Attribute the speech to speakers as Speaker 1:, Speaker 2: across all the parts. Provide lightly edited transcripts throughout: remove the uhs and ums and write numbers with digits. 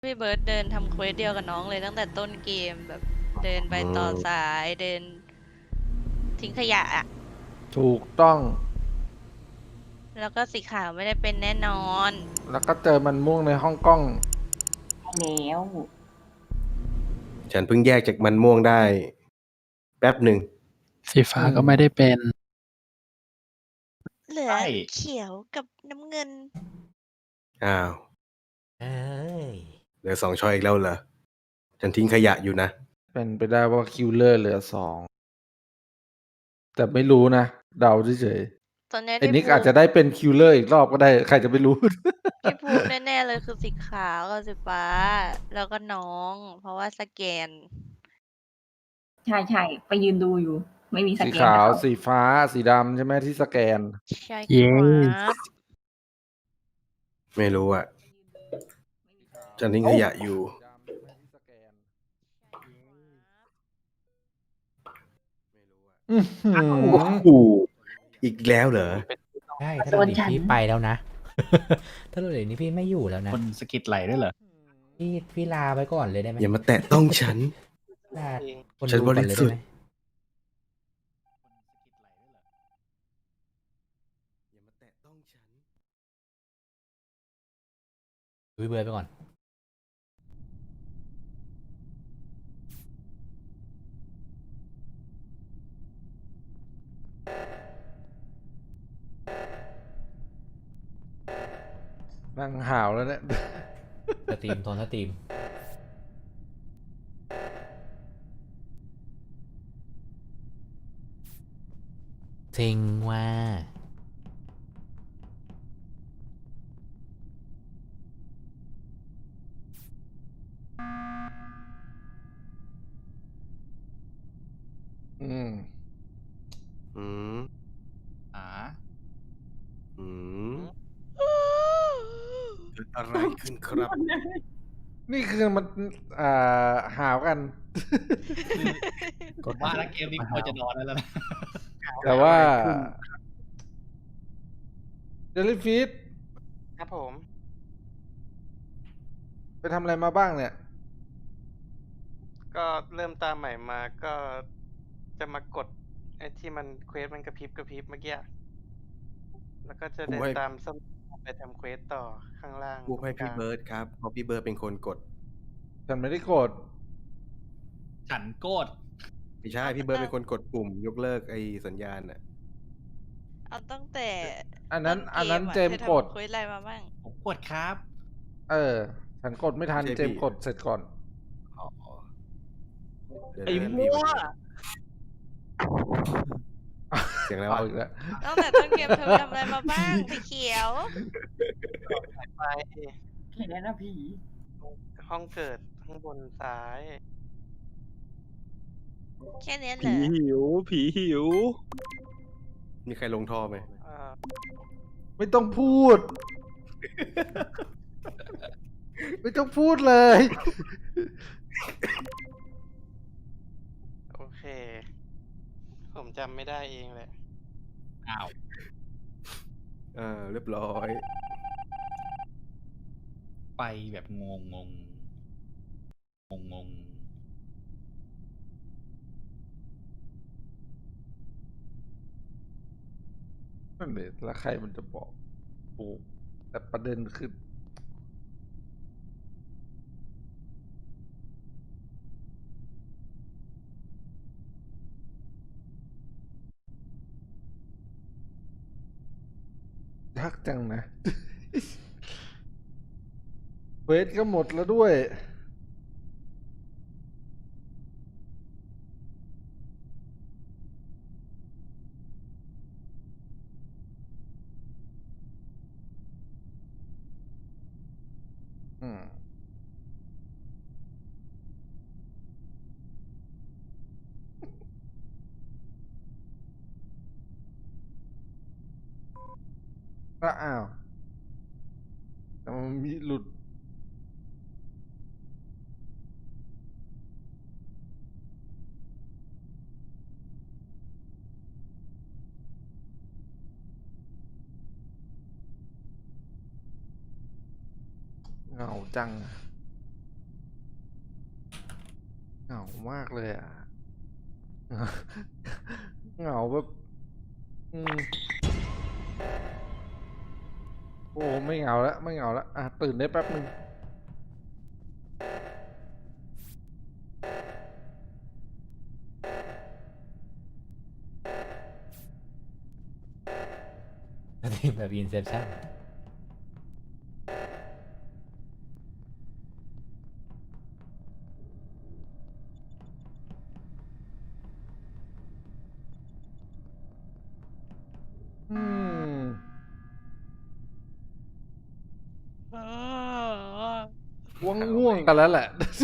Speaker 1: พี่เบิร์ดเดินทำเควสเดียวกับน้องเลยตั้งแต่ต้นเกมแบบเดินไปต่อสายเดินทิ้งขยะอะ
Speaker 2: ถูกต้อง
Speaker 1: แล้วก็สีขาวไม่ได้เป็นแน่นอน
Speaker 2: แล้วก็เจอมันม่วงในห้องกล้อง
Speaker 3: แล้ว
Speaker 4: ฉันเพิ่งแยกจากมันม่วงได้ แป๊บหนึ่ง
Speaker 5: สีฟ้าก็ไม่ได้เป็น
Speaker 1: เหลือ
Speaker 6: ใช่
Speaker 1: เขียวกับน้ำเงิน
Speaker 4: อ้าว
Speaker 6: เอ้ย
Speaker 4: เหลือ2 ช้อยอีกแล้วเหรอ ฉันทิ้งขยะอยู่นะ
Speaker 2: เป็นไปได้ว่าคิลเลอร์เหลือ2 แต่ไม่รู้นะ เดาเฉย
Speaker 1: ตอนนี้
Speaker 2: ๆไอ้
Speaker 1: ที่
Speaker 2: นิก
Speaker 1: พู
Speaker 2: อาจจะได้เป็นคิลเลอร์อีกรอบก็ได้ ใครจะไปรู้
Speaker 1: ที่พูดแน่ๆเลยคือสีขาวกับสีฟ้า แล้วก็น้อง เพราะว่าสแกน
Speaker 3: ใช่ใช่ไปยืนดูอยู่ ไม่มีส
Speaker 2: สี
Speaker 3: แกน
Speaker 2: ขาว
Speaker 3: แต่เข
Speaker 2: สีฟ้า สีดำใช่ไหมที่สแกน
Speaker 1: ใช่
Speaker 5: เย้
Speaker 1: ครับ
Speaker 4: ไม่รู้อ่ะ ฉันทิ้งขยะอยู่
Speaker 2: อื้อหือ
Speaker 4: โอ้โหอีกแล้วเหรอ
Speaker 6: ใช่ถ้าเราหนีพี่ไปแล้วนะ ถ้าเราหนีพี่ไม่อยู่แล้วนะ
Speaker 7: คนสะกิดไหลด้วยเหรอ
Speaker 6: พี่ลาไปก่อนเลยได้ไหม
Speaker 4: อย่ามาแตะต้องฉัน
Speaker 6: ลาคน
Speaker 4: ฉัน
Speaker 6: ดูก่อนเลย
Speaker 4: บริสุ
Speaker 6: ได้
Speaker 4: ทธิ์
Speaker 6: ไหม
Speaker 4: อย่ามาแตะต้องฉัน
Speaker 6: ดูพี่เบิร์ดไปก่อน
Speaker 2: นั่งห่าวแล้วเนี่ย
Speaker 6: สตรีมโทนสตรีมเซ็งว่า
Speaker 2: อืม
Speaker 4: อืม
Speaker 7: อ่า
Speaker 4: อืมเกิดอะไรขึ้นครับ
Speaker 2: นี่คือมันห่าวกัน
Speaker 7: กดว่าแล้วเกมนี้ควรจะนอนแล้วนะ
Speaker 2: แต่ว่าเจลลี่ฟิช
Speaker 8: ครับผม
Speaker 2: ไปทำอะไรมาบ้างเนี่ย
Speaker 8: ก็เริ่มตามใหม่มาก็จะมากดไอ้ที่มันเควสมันกระพริบกระพริบเมื่อกี้แล้วก็จะเดินตามส้มไปทำเควสต่อข้างล่าง
Speaker 4: พูดให้
Speaker 8: ตรงก
Speaker 4: พี่
Speaker 8: ลาง
Speaker 4: เบิร์ดครับ เพราะพี่เบิร์ดเป็นคนกด
Speaker 2: ฉันไม่ได้กด
Speaker 7: ฉันโกด
Speaker 4: ไม่ใช่ พี่เบิร์ดเป็นคนกดปุ่ม ยกเลิกไอ้สัญญาณน่ะ
Speaker 1: เอาตั้งแต่
Speaker 2: อันนั้น
Speaker 1: ต้ก
Speaker 2: อันนั้น
Speaker 1: ะ
Speaker 2: เจมส์
Speaker 1: ธอก
Speaker 2: ด
Speaker 1: ทำเควสอะไรมาบ้าง
Speaker 7: ผมกดครับ
Speaker 2: ฉันกดไม่ทัน
Speaker 4: ไม่ใช่
Speaker 2: เจมส์
Speaker 4: พี่
Speaker 2: กดเสร็จก่อน
Speaker 4: อ๋อเดี๋ยว
Speaker 7: ไอ้
Speaker 4: นะ
Speaker 7: มั่ว
Speaker 4: เสียงอะไร
Speaker 2: เอา
Speaker 4: วะ
Speaker 2: อีกแล้ว
Speaker 1: ตั้งแต่ต้นเกมเธอทำอะไรมาบ้างสีเขียว
Speaker 8: ไป
Speaker 3: เห็นแล้วนะผี
Speaker 8: ห้องเกิดข้างบนซ้าย
Speaker 1: แค่เนี้ยเหร
Speaker 9: ผี
Speaker 1: อ
Speaker 9: หิว ผีหิว
Speaker 4: มีใครลงท่อไหม
Speaker 8: เอ่อ
Speaker 2: ไม่ต้องพูด ไม่ต้องพูดเลย
Speaker 8: โอเค ผมจำไม่ได้เองแหละ
Speaker 7: อ้าว
Speaker 4: เรียบร้อย
Speaker 7: ไปแบบงงงงง
Speaker 2: นั่นเลยแล้วใครมันจะบอกโอ้แต่ประเด็นคือยักจังนะ เวทก็หมดแล้วด้วย อืมก็อ้าวแต่มันมีหลุด เหงาจังอะเหงามากเลยอ่ะ เหงาแบบโอ้ไม่เหงาแล้วไม่เหงาแล้วอ่ะตื่นได้แป๊บนึง
Speaker 6: แบบอินเซปชั่น
Speaker 2: อืมง่วงกันแล้วแหละ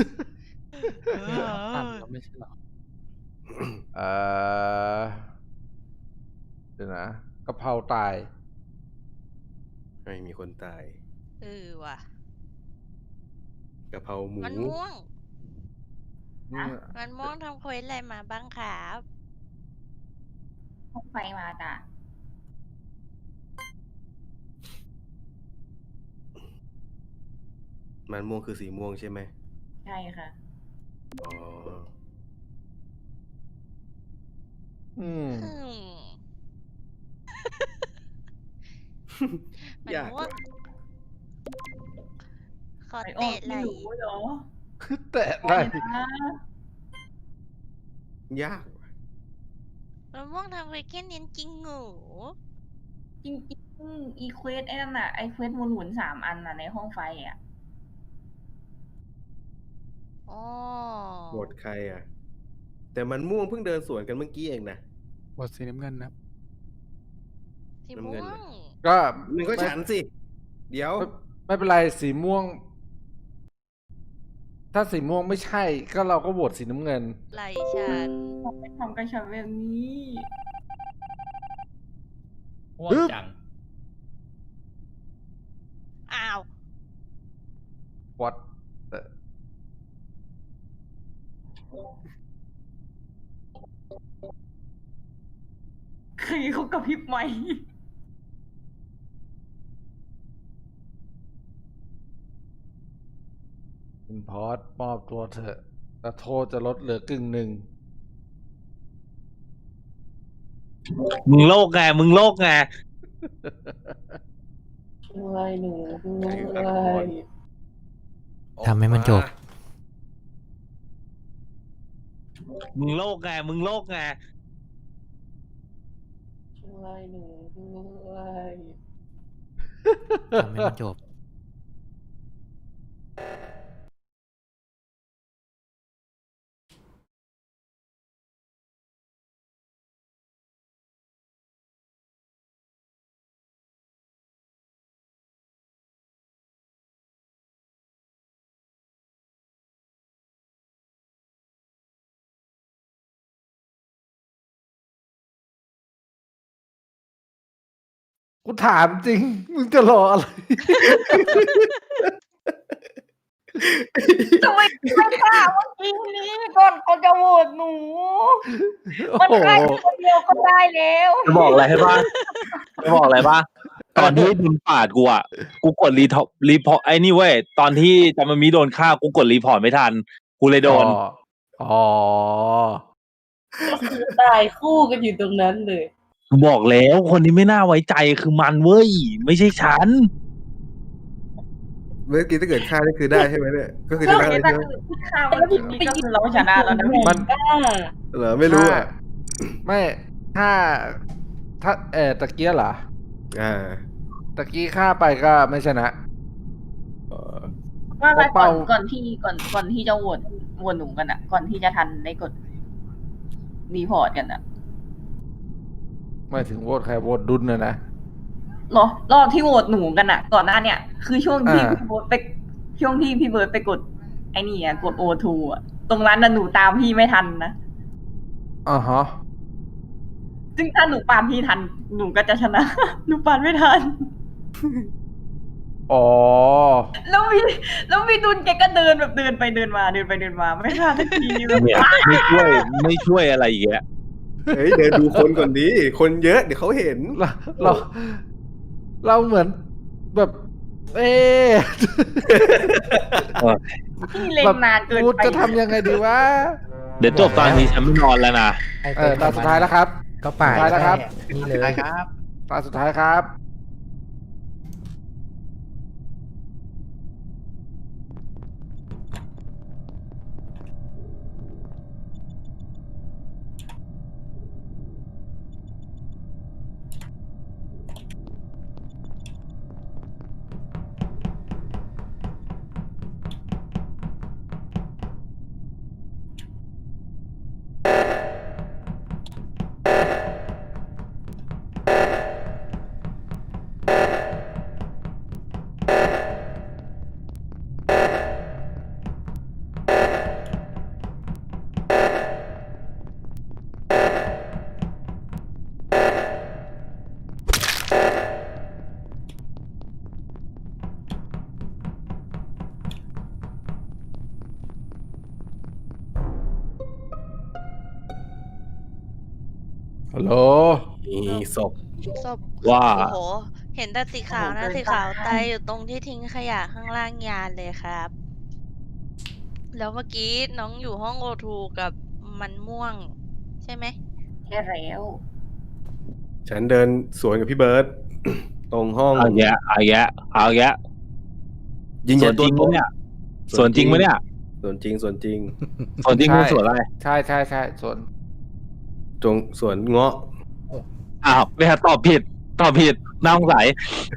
Speaker 5: ปั่นก็ไม่ใช่หรอ
Speaker 2: เออเดี๋ยวนะกะเพราตาย
Speaker 4: ไม่มีคนตาย
Speaker 1: ว่ะ
Speaker 4: กะเพราหมู
Speaker 1: มันม่วง
Speaker 2: นี่
Speaker 1: มันม่วงทำเควสอะไรมาบ้างครับ
Speaker 3: ห้องไฟมาจ้ะ
Speaker 4: มันม่วงคือสีม่วงใช่ไหม
Speaker 3: ใช่ค่ะ
Speaker 4: อ๋อ
Speaker 2: อืม
Speaker 1: มัน
Speaker 4: ยาก
Speaker 1: ม่วง ขอ
Speaker 3: ไอออ
Speaker 1: เตะ
Speaker 3: ก
Speaker 1: ไหล
Speaker 3: ไม่รู้เหรอ
Speaker 2: แต่ได้
Speaker 3: ไม่นะ
Speaker 4: ยากว่ะ
Speaker 1: มันม่วงทำเควสแค่นี้จริงเหรอ
Speaker 3: จริงๆอีเควสไอ้นั่นน่ะไอเควสหมุนๆ3 อันน่ะในห้องไฟอ่ะ
Speaker 1: อ๋อ
Speaker 4: โหวตใครอ่ะ แต่มันม่วงเพิ่งเดินสวนกันเมื่อกี้เองนะ
Speaker 5: บทสีน้ำเงินนะ
Speaker 1: สี
Speaker 4: น้ำ
Speaker 1: ม่
Speaker 4: เงิ
Speaker 1: วน ง
Speaker 4: เลย
Speaker 2: ก็
Speaker 4: มันก็ฉันสิ เดี๋ยว
Speaker 2: ไม่เป็นไรสีม่วง ถ้าสีม่วงไม่ใช่ ก็เราก็โหวตสีน้ำเงิน
Speaker 1: ไหลฉัน
Speaker 3: ทำไมทำกับฉันแบบนี้
Speaker 7: ม่วงจัง
Speaker 1: อ้าว
Speaker 2: วัด
Speaker 3: ใครเขากระพริบไหม
Speaker 2: คุณพอสมอบตัวเถอะแต่โทษจะลดเหลือ1/2
Speaker 9: มึงโลกไง มึงโลกไง
Speaker 6: ทำให้มันจบ
Speaker 9: มึงโลกไง มึงโลกไง
Speaker 6: ทำให้มันจบ
Speaker 2: กูถามจริง มึงจะรออะไร
Speaker 3: ทำไมไม่ฆ่าเมื่อกี้นี้ก่อนจะโหวตหนู มันฆ่าคนเดียวก็ได้แล้ว
Speaker 9: จะบอกอะไรให้บ้างจะบอกอะไรบ้างตอนที่มึงปาดกูอ่ะ กูกดรีพอร์ตไอ้นี่เว้ย ตอนที่จามามีโดนฆ่า กูกดรีพอร์ตไม่ทัน กูเลยโดน
Speaker 2: อ๋อ
Speaker 10: ตายคู่กันอยู่ตรงนั้นเลย
Speaker 9: บอกแล้วคนที่ไม่น่าไว้ใจคือมันเว้ย ไม่ใช่ฉัน
Speaker 4: เมื่อกี้ถ้าเกิดฆ่านี่คือได้ใช่ไหมเนี่ย ก็คือชนะเลย
Speaker 3: แต่
Speaker 4: ใช่ไหม
Speaker 3: คือฆ่าเมื่อกี้นี้ก็คือเราชนะแล้วนะพี่
Speaker 2: มัน
Speaker 4: เหรอไม่รู้อ่ะ
Speaker 2: ไม่ถ้าตะเกียเหรอ
Speaker 4: อ่า
Speaker 2: ตะกี้ฆ่าไปก็ไม่ชนะ
Speaker 3: ว่าไป
Speaker 2: เป่า
Speaker 3: ก่อนที่จะโหวตหนูกันอ่ะ ก่อนที่จะทันได้กดรีพอร์ตกันอ่ะ
Speaker 2: ไม่ถึงโหวตใครโหวตดุลนะ
Speaker 3: รอบที่โหวตหนูกันอ่ะ ก่อนหน้าเนี่ยคือช่วงที่
Speaker 2: อ่า
Speaker 3: พี่เบิร์ดไปกดไอ้นี่อ่ะกดโอทูอ่ะตรงนั้นน่ะหนูตามพี่ไม่ทันนะ
Speaker 2: อ่าฮะ
Speaker 3: ซึ่งถ้าหนูปานพี่ทันหนูก็จะชนะ หนูปานไม่ทัน
Speaker 2: อ๋อ
Speaker 3: แล้วมีดุลแกก็เดินแบบเดินไปเดินมาไม่ทันสักทีแบบ
Speaker 9: เนี่ยไม่ช่วยอะไรอีกแล้ว
Speaker 4: เฮ้ยเดี๋ยวดูคนก่อนดีคนเยอะเดี๋ยวเขาเห็น
Speaker 2: เราเหมือนแบบเอ๊ะ
Speaker 3: พี่เล็งนานเกิน
Speaker 2: กู
Speaker 3: ไป
Speaker 2: จะทำยังไงดีวะ
Speaker 9: เดี๋ยวจบตอนนี้ฉันไม่นอนแล้วนะ
Speaker 2: ตาสุดท้ายแล้วครับ
Speaker 6: ก็ป่าด
Speaker 2: สุดท้ายแล้วครับ
Speaker 6: นี่เลย
Speaker 2: ตาสุดท้ายครับ ฮัลโหล
Speaker 4: มีศพ
Speaker 1: ศพ
Speaker 9: ว่า
Speaker 1: โอ้โห เห็นแต่สีขาวนะสีขาวตายอยู่ตรงที่ทิ้งขยะข้างล่างยานเลยครับ แล้วเมื่อกี้น้องอยู่ห้องโอทูกับมันม่วง ใช่ไหม
Speaker 3: แค่แล้ว
Speaker 4: ฉันเดินสวนกับพี่เบิร์ต ตรงห้อง
Speaker 9: เอาแยะเอาแยะเอาแยะ
Speaker 4: ยิง
Speaker 9: ส่
Speaker 4: ยั
Speaker 9: วน
Speaker 4: น
Speaker 9: จ
Speaker 4: ตัว
Speaker 9: ริง
Speaker 4: ต
Speaker 9: ปะเนี่ยส่วนจริงปะเนี่ย
Speaker 4: ส่วนจริงส่วนจริง
Speaker 9: ส่วนจริงคือส่วนอะไร
Speaker 2: ใช่ใช่ใช่ส่วน
Speaker 4: จงสวนเงาะ
Speaker 9: อ้าวเนี่ยตอบผิดน่าสงสัย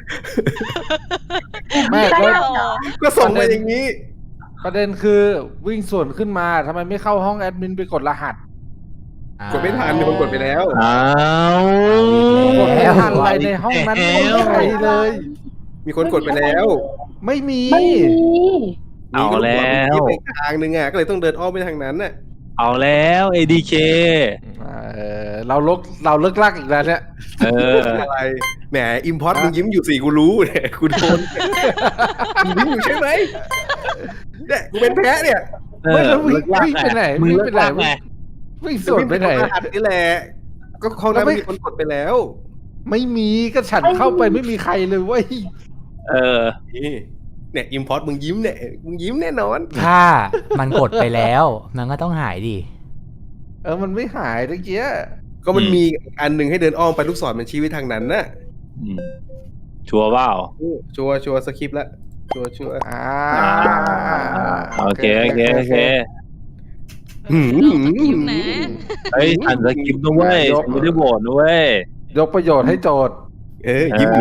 Speaker 2: ไม่แล้ว
Speaker 4: ก็ส่งมาอย่างนี้
Speaker 2: ประเด็นคือวิ่งสวนขึ้นมาทำไมไม่เข้าห้องแอดมินไปกดรหัส
Speaker 4: กดไม่ทันมีคนกดไปแล้ว
Speaker 9: อ้าว
Speaker 2: กดไม่ทันอะไรในห้องนั้นไม่มีใครเลย
Speaker 4: มีคนกดไปแล้ว
Speaker 2: ไม่มี
Speaker 10: ไม่มี
Speaker 9: เอาแล้ว
Speaker 4: มีไปทางนึงอ่ะก็เลยต้องเดินอ้อมไปทางนั้นน่ะ
Speaker 9: เอาแล้ว ADK
Speaker 2: เราเลิกลักอีกแล้วเนี่ย
Speaker 9: เออ
Speaker 4: อะไรแหมอิมพอร์ตมึงยิ้มอยู่สี่กูรู้เนี่ยกูโดนมึงยิ้มอยู่ใช่ไหมเนี่ยกูเป็นแพ้เนี่ย
Speaker 2: ไม่แล้ววิ่งไปไหน
Speaker 9: มึง
Speaker 2: วิ่ง
Speaker 9: เลิ
Speaker 2: ไป
Speaker 9: ก
Speaker 2: ไหน
Speaker 9: ลากไง
Speaker 2: วิ่งสวนไปไหน
Speaker 4: รหัสนี่แหละก็ห้องนั้นมีคนกดไปแล้ว
Speaker 2: ไม่มีก็ฉันเข้าไปไม่มีใครเลยเว้ย
Speaker 9: เออ
Speaker 4: นี่เนี่ยอิมพอร์ตมึงยิ้มเนี่ยมึงยิ้มแน่นอน
Speaker 6: ถ้ามันกดไปแล้วมันก็ต้องหายดิ
Speaker 2: มันไม่หายตะเกีย
Speaker 4: ก็มันมีอันหนึ่งให้เดินอ้อมไปลูกศรมันชี้ไปทางนั้นน่ะ
Speaker 9: อืมชัวร์เปล่า
Speaker 4: ชัวร์สคริปต์แล้วชัวร์
Speaker 9: โอเค
Speaker 1: น้องสกิปนะ
Speaker 9: เฮ้ยทันสกิปต์นะเว้ยฉันไม่ได้โหวตนะเว้ย
Speaker 2: ยกประโยชน์ให้โจทย์
Speaker 4: ยิ้มอยู่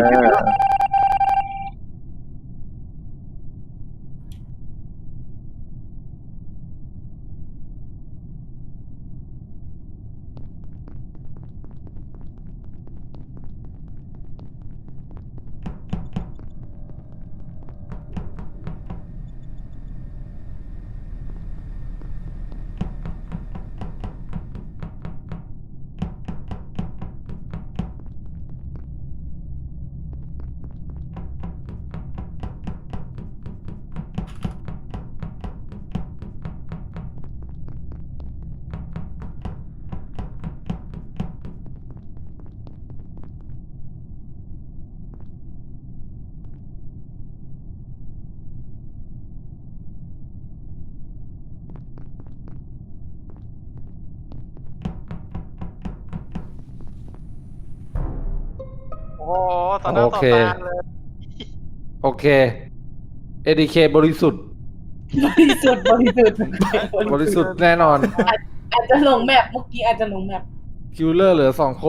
Speaker 8: โอ้โหต่อหน้าต่อตาเลย
Speaker 2: โอเค ADK บริสุทธิ์
Speaker 10: บริสุทธิ์
Speaker 2: บริสุทธิ์แน่นอน
Speaker 10: อาจจะลงแมปเมื่อกี้อาจจะลงแมป
Speaker 2: คิวเลอร์เหลือ2 คน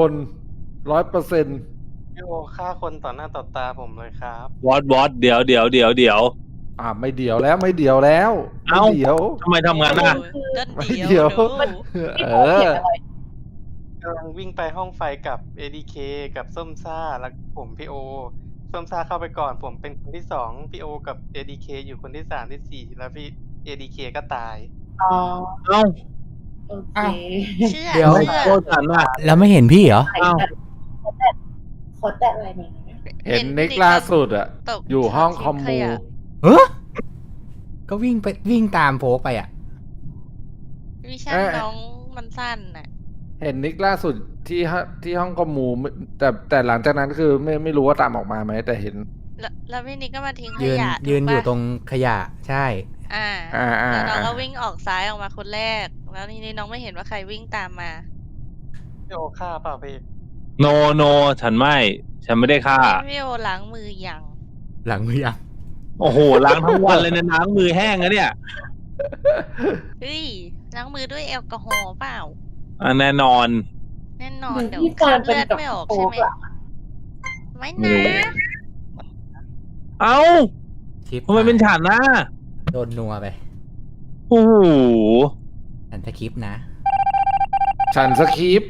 Speaker 2: 100%
Speaker 8: พี่โอฆ่าคนต่อหน้าต่อตาผมเลยครับ
Speaker 9: วอตเดี๋ยว
Speaker 2: ไม่เดี๋ยวแล้วไม่เดี๋ยวแล้ว
Speaker 9: เอ้า
Speaker 2: ไม่เดี๋ยว
Speaker 9: ทำไมทำงานน่ะ
Speaker 1: ก็
Speaker 2: ไม่
Speaker 1: เดียว
Speaker 2: เดี๋ยว
Speaker 1: ดู
Speaker 2: เอ
Speaker 10: พี่โอเขีย
Speaker 2: อ
Speaker 10: นอะไร
Speaker 8: กำลังวิ่งไปห้องไฟกับ ADK กับส้มซ่าแล้วผมพี่โอส้มซ่าเข้าไปก่อนผมเป็นคนที่สองพี่โอกับ ADK อยู่คนที่สามที่สี่แล้วพี่ ADK ก็ตาย
Speaker 10: อ๋อ
Speaker 9: เอ้า
Speaker 10: โอเค
Speaker 1: เชื่อ
Speaker 6: เดี๋ยว
Speaker 1: เชื่อ
Speaker 9: โทษฉันน่ะ
Speaker 6: แล้วไม่เห็นพี่เหรอ
Speaker 10: ขอแตะอะไรหน่อยนะ
Speaker 2: เห็นนิกล่าสุดอะ
Speaker 1: ตก
Speaker 2: อยู่ห้องคอม
Speaker 1: ทิ้
Speaker 2: มู
Speaker 1: ขยะ
Speaker 6: ก็วิ่งตามโฟกไปอ่ะ
Speaker 1: วิชั่นน้องมันสั้นน่ะ
Speaker 2: เห็นนิกล่าสุดที่ห้องคอมมูแต่หลังจากนั้นคือไม่รู้ว่าตามออกมาไหมแต่เห็น
Speaker 1: แล้วพี่นิกก็มาทิ้งข
Speaker 6: ยืน
Speaker 1: ยะ
Speaker 6: ยืน
Speaker 1: ถูก
Speaker 6: อยู่
Speaker 1: ปะ
Speaker 6: ตรงขยะใช่
Speaker 1: อ่า
Speaker 2: อ่า
Speaker 1: แล้วน้องก็วิ่งออกซ้ายออกมาคนแรก แล้วทีนี้น้องไม่เห็นว่าใครวิ่งตามมา
Speaker 8: พี่โอฆ่าเปล่าพี่
Speaker 9: โนโนฉันไม่ได้ฆ่า
Speaker 1: พี่โอล้างมือยัง
Speaker 6: หลังมือยัง
Speaker 9: โอ้โหล้างทั้งวันเลยนะล้างมือแห้งนะเนี่ย
Speaker 1: เฮ้ยล้างมือด้วยแอลกอฮอล์เปล่า
Speaker 9: แน่นอน
Speaker 1: แน่นอ
Speaker 10: เห
Speaker 1: น
Speaker 10: มือน
Speaker 1: เดี๋ยว
Speaker 10: พี่
Speaker 1: ครา
Speaker 10: ฟา
Speaker 1: บ
Speaker 10: นเป็น
Speaker 1: เลือด
Speaker 10: กับ
Speaker 1: ไม่ออก
Speaker 10: โฟ
Speaker 1: ใช่
Speaker 10: ก
Speaker 1: ไหม
Speaker 10: อะ
Speaker 1: ไม่
Speaker 9: ไม่
Speaker 1: นะ
Speaker 9: รู้ เอ้า
Speaker 6: ชิป
Speaker 9: ทำไมเป็นฉันนะ
Speaker 6: โดนนัวไป
Speaker 9: โอ้โห
Speaker 6: ฉันสคริปต์นะ
Speaker 2: ฉันสคริปต์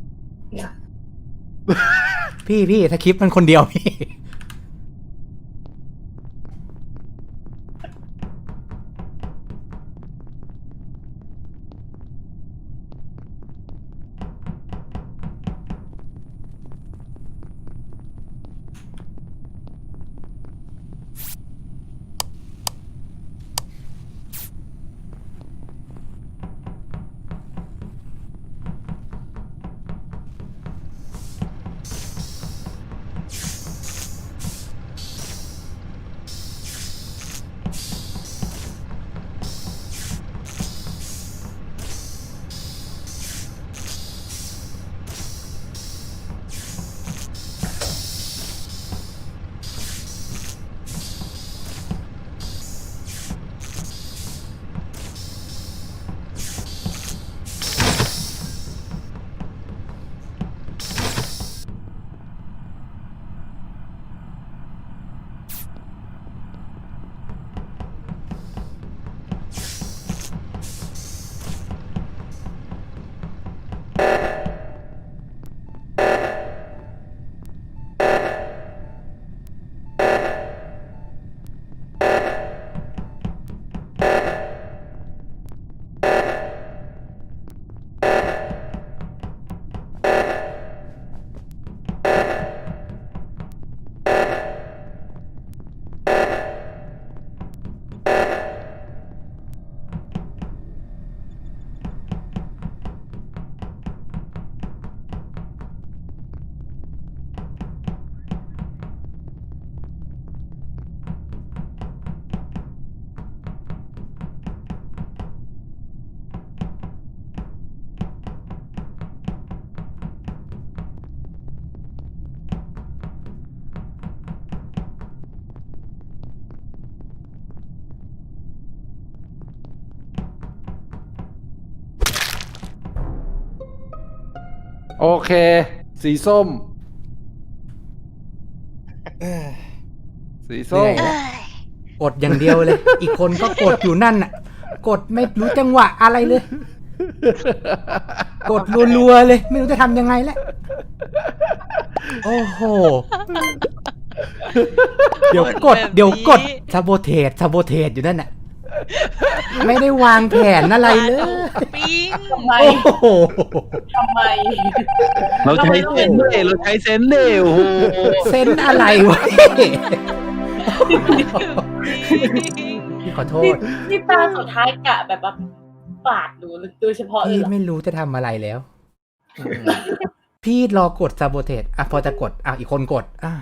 Speaker 6: พี่สคริปต์มันคนเดียวพี่
Speaker 2: โอเค สีส้ม สีส้ม
Speaker 6: เหนื่อย กดอย่างเดียวเลย อีกคนก็กดอยู่นั่นน่ะ กดไม่รู้จังหวะอะไรเลย กดรัวๆเลย ไม่รู้จะทำยังไงแล้ว โอ้โห เดี๋ยวกด
Speaker 1: แบบนี้
Speaker 6: เดี๋ยวกดซาโบเทสอยู่นั่นน่ะ ไม่ได้วางแผนอะไรเลย
Speaker 1: ปิ้ง
Speaker 10: ทำไม
Speaker 6: โอ้โห
Speaker 10: ทำไม
Speaker 9: เราใช้เซนส์เดเราใช้เซนส์เดโอ้โห
Speaker 6: เซนอะไรวะพี่ขอโทษ
Speaker 10: ที่ตาสุดท้ายกะแบบว่าปาดหนูโดยเฉพาะเลย
Speaker 6: พี่
Speaker 10: เหรอ
Speaker 6: ไม่รู้จะทำอะไรแล้ว พี่รอกดซาโบเทสอ่ะพอจะกดอ่ะอีกคนกดอ่ะ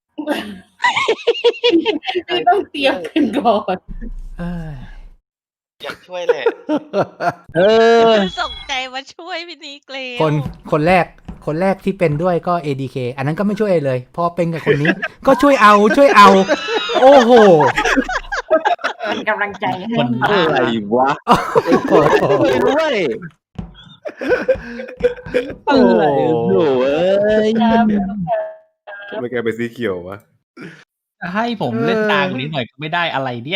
Speaker 10: พี่ต้องเตรียมกันก่อน
Speaker 6: เอ้ย
Speaker 8: อยากช่วยแหละ
Speaker 9: เออ
Speaker 1: ส่งใจมาช่วยพี่นิกเลย
Speaker 6: คนแรกที่เป็นด้วยก็ ADK อันนั้นก็ไม่ช่วยเลย พอเป็นกับคนนี้ ก็ช่วยเอา โอ้โห
Speaker 3: เป็นกำลังใจให้
Speaker 7: คนบ้า
Speaker 9: อะไรวะไม่ด้วย อะไรโถ่เอ้ย
Speaker 4: ทำไมแกเป็นสีเขียววะ
Speaker 7: ให้ผมเล่นตามนี้หน่อยก็ไม่ได้อะไรเนี่ย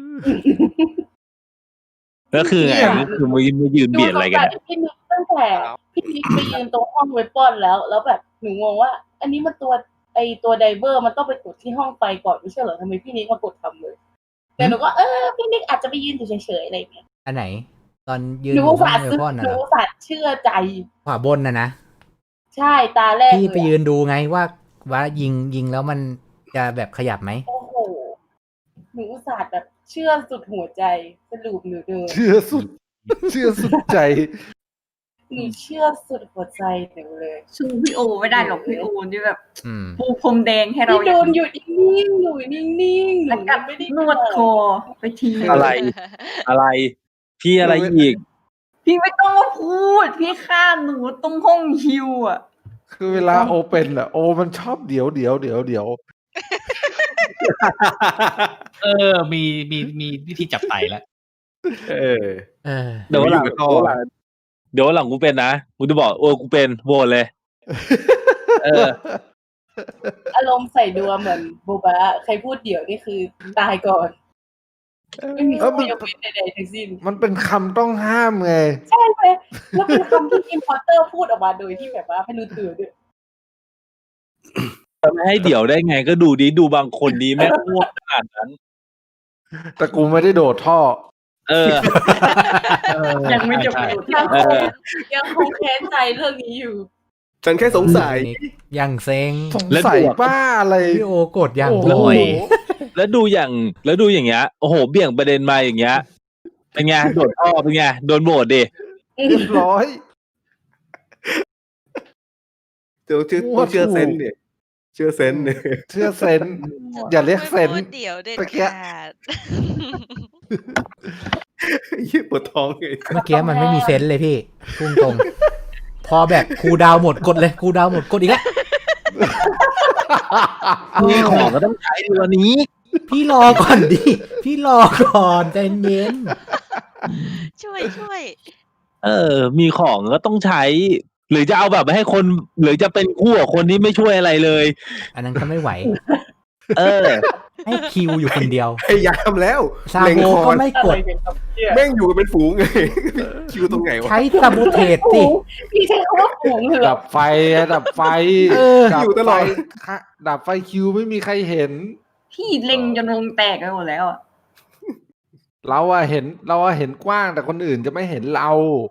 Speaker 9: ก็คือไงก็คือมายืนเบียดอะไรกันอะ
Speaker 10: พี่นิกตั้งแต่พี่นิกไปยืนตรงห้องเวปอนแล้วแบบหนูงงว่า อันนี้มันตัวไดเวอร์มันต้องไปกดที่ห้องไฟก่อนไม่ใช่เหรอทำไมพี่นิกมากดทำเลย แต่หนูก็พี่นิกอาจจะไปยืนอยู่เฉยๆอะไรอย่างเงี้ย
Speaker 6: อันไหน ตอนยืน
Speaker 10: หนู
Speaker 6: อยู่
Speaker 10: อุต
Speaker 6: ห้อ
Speaker 10: ส่าง ห์
Speaker 6: เว
Speaker 10: ซื้อ
Speaker 6: พอนนะ
Speaker 10: หนู
Speaker 6: เหรอ
Speaker 10: อุตส่าห์เชื่อใจ
Speaker 6: ขวาบนนะ
Speaker 10: ใช่ตาแรก
Speaker 6: พี่ไป
Speaker 10: เลย
Speaker 6: ยืนดูไงว่ายิงแล้วมันจะแบบขยับไหม
Speaker 10: โอ้โหหนูอุตส่าห์แบบเชื่อสุดหัวใจสรุปหนูเดิน
Speaker 2: เชื่อสุดใจ
Speaker 10: หนูเชื่อสุดหัวใจหนูเลย
Speaker 3: สู้พี่โอไม่ได้หรอกพี่โอนี่แบบ
Speaker 6: อืม
Speaker 3: ปูพรมแดงให้เรา
Speaker 10: พี่โดนอยู่นิ่งๆอยู่นิ่งๆ
Speaker 3: แล้วกัด
Speaker 10: ไม่ได้
Speaker 3: นวดคอไปที
Speaker 9: อะไร อะไร พี่อะไรอีก
Speaker 3: พี่ไม่ต้องมาพูด พี่ฆ่าหนูตรงห้องฮิวอ่ะ
Speaker 2: คือเวลาโอเป็นอะโอมันชอบเดี๋ยว
Speaker 7: มีวิธีจับไต่แล้ว
Speaker 4: เออ
Speaker 6: เออ
Speaker 9: เดี๋ยววันหลัง
Speaker 4: อยู่กับท่อ
Speaker 9: เดี๋ยววันหลังกูเป็นนะกูจะบอกกูเป็นโหวตเลย เออ
Speaker 10: อารมณ์ใส่ดัวเหมือนโบบะใครพูดเดี๋ยวนี่คือตายก่อน ไม่มีข้อยกเว้นใดๆทั้งสิ้น
Speaker 2: มันเป็นคำต้องห้ามไง
Speaker 10: ใช่ไหมแล้วเป็นคำที่อิมพอร์เตอร์พูดออกมาโดยที่แบบว่าไม่รู้ตัวด้วย
Speaker 9: จะไม่ให้เดี๋ยวได้ไงก็ดูดิดูบางคนดีแม่งง่วงขนาดนั้น
Speaker 2: แต่กูไม่ได้โดดท่อ
Speaker 9: เออ
Speaker 3: ยังไม่จบประโยชน์
Speaker 9: เออ
Speaker 10: ยังคงแค้นใจเรื่องนี้อยู่
Speaker 4: ฉันแค่สงสัย
Speaker 6: ยังเซ็ง
Speaker 2: สงสัยบ้าอะไร
Speaker 6: พี่โอกดยัง
Speaker 2: โอ้โห
Speaker 6: บ่อย
Speaker 9: แล้วดูอย่างเงี้ยโอ้โหเบี่ยงประเด็นมาอย่างเงี้ยเป็นไงโดดท่อเป็นไงโดนโหวตดิ
Speaker 2: เรียบร้อย
Speaker 4: เดี๋ยวต้องเชื่อเซนส์เนี่ยเชื่อเซนส์เนี่ย
Speaker 2: เชื่อเซนส์อย่าเรียกเซน
Speaker 1: ไม่
Speaker 2: ส์
Speaker 1: พูดเดี๋ยวเด็ด
Speaker 2: เมื่อกี้
Speaker 1: ขาด
Speaker 4: ยี่ปวดท้องไง
Speaker 6: เมื่อกี้มันไม่มีเซนส์เลยพี่พุ่งตรง พอแบบครูดาวหมดกดเลยครูดาวหมดกดอีกแล้ว
Speaker 9: มีของก็ต้องใช้ดีวันนี้
Speaker 6: พี่รอก่อนดิพี่รอก่อนใจเย็น
Speaker 1: ช่วย
Speaker 9: มีของก็ต้องใช้ หรือจะเอาแบบให้คนหรือจะเป็นคู่กับคนที่ไม่ช่วยอะไรเลย
Speaker 6: อันนั้นก็ไม่ไหว
Speaker 9: เออ
Speaker 6: ให้คิวอยู่คนเดียว
Speaker 4: พยายามแล้ว
Speaker 6: ซา
Speaker 4: เล็ง
Speaker 6: โบ
Speaker 4: คอ
Speaker 6: ก็ไม่กด
Speaker 4: แม่งอยู่กันเป็นฝูงไง คิวตรงไหนวะ
Speaker 6: ใช้ซาโบเทสสิ
Speaker 10: พี่ใช้คำว่าฝูงเลยเหรอ
Speaker 2: ดับไฟดับไฟ
Speaker 6: เออ
Speaker 2: ดับ
Speaker 4: อยู่ตลอด
Speaker 2: ไฟค่ะดับไฟคิวไม่มีใครเห็น
Speaker 3: พี่เล็งจนวงแตกไปหมดแล้วอ่ะ
Speaker 2: เราเห็นกว้างแต่คนอื่นจะไม่เห็นเรา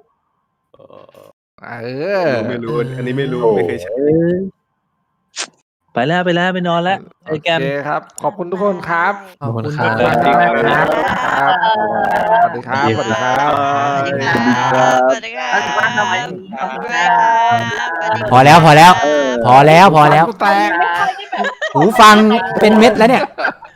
Speaker 2: เออ
Speaker 4: ไม่รู้ อันนี้ไม่รู้ไม่เคยใช้
Speaker 9: ไปแล้วไปนอนแล้ว
Speaker 2: โอ
Speaker 9: ไอ้แก
Speaker 2: เคน ครับ ขอบคุณทุกคนครับ
Speaker 6: ขอบคุณ
Speaker 2: ขอบ
Speaker 6: ค
Speaker 2: คุณ
Speaker 6: รับ
Speaker 2: มากครับสวัสดีครับสวัสดีครับ
Speaker 1: สวัสดีครับสวัสดีครับสวัสดีครับ
Speaker 6: พอแล้วพอแล้ว พอแล้ว
Speaker 2: กูแตก
Speaker 6: หูฟังเป็นเม็ดแล้วเนี่ย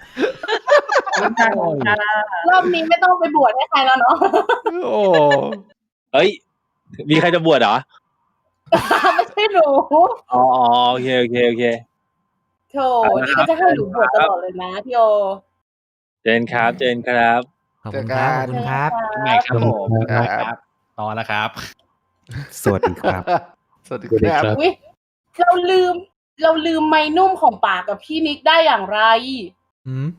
Speaker 10: รอบนี้ไม่ต้องไปบวชให้ใครแล้วเนาะ
Speaker 2: โอ้
Speaker 9: เฮ้ย มีใครจะบวชเหรอ
Speaker 10: ไม่ใช่หนู
Speaker 9: อ๋อโอเค
Speaker 10: โธ่นี่ก็จะให้หนูบวชตลอดเลยนะพี่โอ
Speaker 9: เจนครับ
Speaker 6: ขอบคุณครับขอบคุณครับ
Speaker 7: ไงครับผมครับต่อแล้วครับ
Speaker 4: สวัสดีครับ
Speaker 2: สวัสดีครับ
Speaker 10: อุ๊ยเราลืมไม้นุ่มของป่ากับพี่นิกได้อย่างไร
Speaker 6: อืม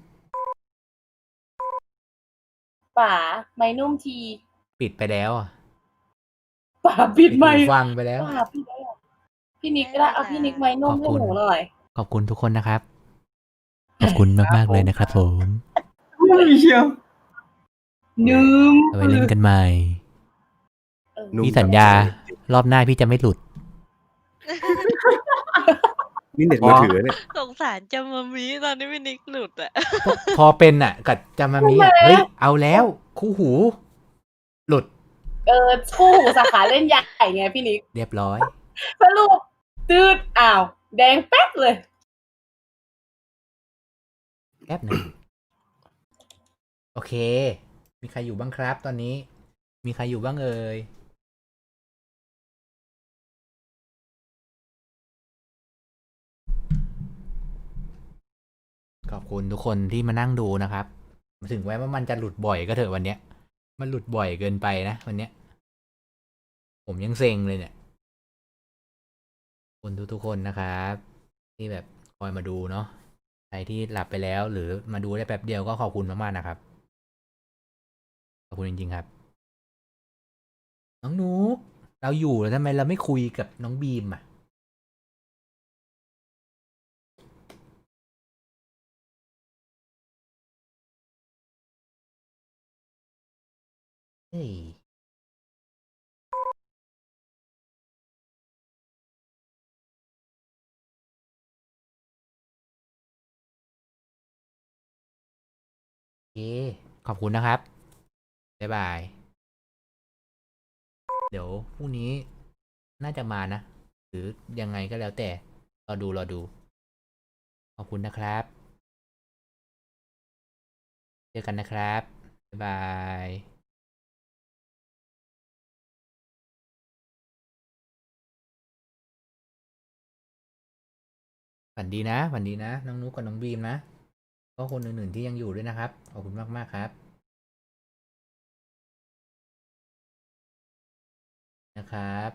Speaker 10: ป่าไม้นุ่มที
Speaker 6: ปิดไปแล้วอ่ะ
Speaker 10: ป่าปิดไม้
Speaker 6: หูฟังไปแล้ว
Speaker 10: ป่าปิดไม้อะพี่นิกก็ได้เอาพี่นิกไม้นุ่มให้หนูหน่อย
Speaker 6: ขอบคุณทุกคนนะครับ ขอบคุณมากๆเลยนะครับผม
Speaker 3: ไม่เชียว
Speaker 10: ลืม
Speaker 6: เอาไว้เล่นกันใหม่ พี่สัญญารอบหน้าพี่จะไม่หลุด
Speaker 4: นี่เน็ตมือถือเนี่ย
Speaker 1: สงสารจามามีตอนนี้พี่นิกหลุดอ่ะ
Speaker 6: พอเป็นอ่ะกับจามามิอะเฮ้ย เอาแล้ว คู่หู หลุด
Speaker 10: คู่หูสาขาเล่นใหญ่ไงพี่นิก
Speaker 6: เรียบร้อย
Speaker 10: สรุปตืดอ้าว แดงแป๊บเลย
Speaker 6: แป๊บหนึ่งโอเค มีใครอยู่บ้างครับ ตอนนี้ มีใครอยู่บ้างเอ่ย ขอบคุณทุกคนที่มานั่งดูนะครับ ถึงแม้ว่ามันจะหลุดบ่อยก็เถอะวันเนี้ย มันหลุดบ่อยเกินไปนะวันเนี้ย ผมยังเซ็งเลยเนี่ยขอบคุณทุกๆคนนะครับ ที่แบบคอยมาดูเนาะ ใครที่หลับไปแล้วหรือมาดูได้แป๊บเดียวก็ขอบคุณมากๆนะครับ ขอบคุณจริงๆครับ น้องนุ๊กเราอยู่แล้วทำไมเราไม่คุยกับน้องบีมอ่ะเฮ้ยโอเคขอบคุณนะครับ บ๊ายบาย เดี๋ยวพรุ่งนี้น่าจะมานะ หรือยังไงก็แล้วแต่รอดู ขอบคุณนะครับ เจอกันนะครับ บ๊ายบาย ฝันดีนะ น้องนุ๊กกับน้องบีมนะ ก็คนอื่นๆที่ยังอยู่ด้วยนะครับ ขอบคุณมากๆครับ นะครับ